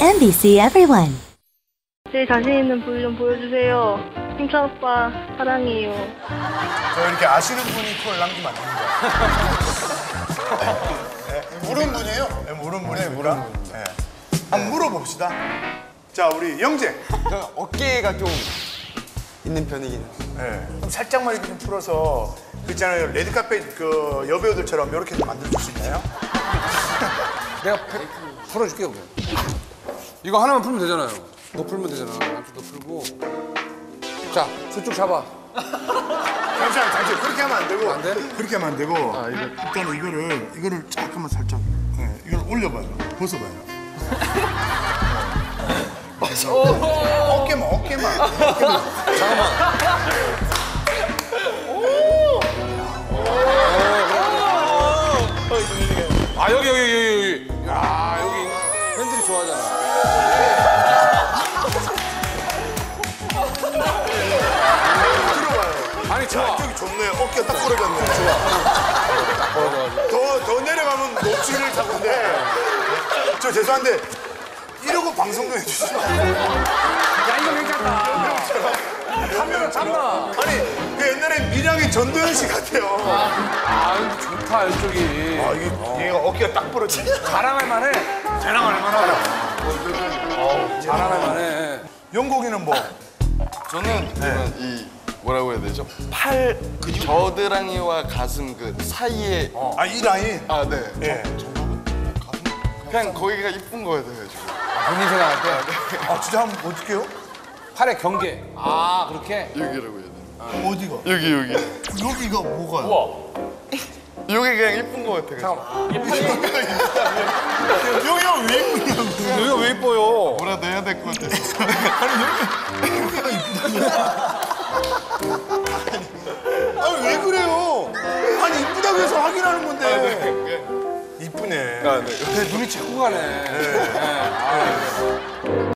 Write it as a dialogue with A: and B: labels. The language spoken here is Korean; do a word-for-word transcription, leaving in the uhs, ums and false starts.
A: 엠비씨 Everyone.
B: 제일 자신 있는 부위 좀 보여주세요. 힘찬 오빠 사랑해요.
C: 저 이렇게 아시는 분이 콜 남기면 안 됩니다. 네, 물은 분이에요? 네, 물은 분이니까. 네. 한번 물어봅시다. 자, 우리 영재.
D: 저는 어깨가 좀 있는 편이긴 해요.
C: 네. 그럼 살짝만 이렇게 좀 풀어서 그 있잖아요. 레드카펫 그 여배우들처럼 이렇게 좀 만들어줄 수 있나요?
E: 내가 팩 풀어줄게 그래. 이거 하나만 풀면 되잖아요. 너 풀면 되잖아. 한쪽 더 풀고. 자, 저쪽 잡아.
C: 잠시만, 잠시만. 그렇게 하면 안 되고.
E: 안 돼?
C: 그렇게 하면 안 되고. 아, 이거. 일단은 이거를, 이거를 잠깐만 살짝. 네, 이걸 올려봐요. 벗어봐요. 맞아. 어깨만, 어깨만. 어깨만.
E: 잠깐만. 아, 여기, 여기, 여기, 여기. 야, 여기 팬들이 좋아하잖아.
C: 들어봐요.
E: 아니, 좋아.
C: 저기 좋네. 어깨가 딱 부러졌네. 좋아. 더, 더 내려가면 녹지를 타는데. 저 죄송한데, 이러고 방송도 해주시면 안 돼요?
E: 야, 이거 괜찮다. 카메라 잡나?
C: 아니, 그 옛날에 밀양의 전도연 씨 같아요.
E: 아, 이거 좋다, 이쪽이.
C: 아, 이게, 얘가 어깨가 딱 부러지네.
E: 자랑할 만해.
C: 자랑할 만하다.
E: 자랑할 만해.
C: 영국이는 뭐?
F: 저는 약간 이 뭐라고 해야 되죠? 팔 겨드랑이와 가슴 그 사이에
C: 아, 이 라인?
F: 아 네.
C: 예.
F: 그냥 거기가 이쁜 거예요, 지금.
E: 본인 생각할 때.
C: 아, 진짜 한번 어떡해요?
E: 팔의 경계. 아, 그렇게?
F: 여기라고 해야 되나?
C: 어디가?
F: 여기 여기.
C: 여기가 뭐가요?
F: 여기 그냥 이쁜 거 같아. 그래서.
C: 여기가 왜 이쁘냐고.
E: 여기가 왜 이뻐요?
F: 뭐라도 해야 될 것 같아서.
C: 아니, 왜 그래요? 아니, 이쁘다고 해서 확인하는 건데. 이쁘네.
F: 아 네.
E: 눈이 자꾸 가네. 네. 아,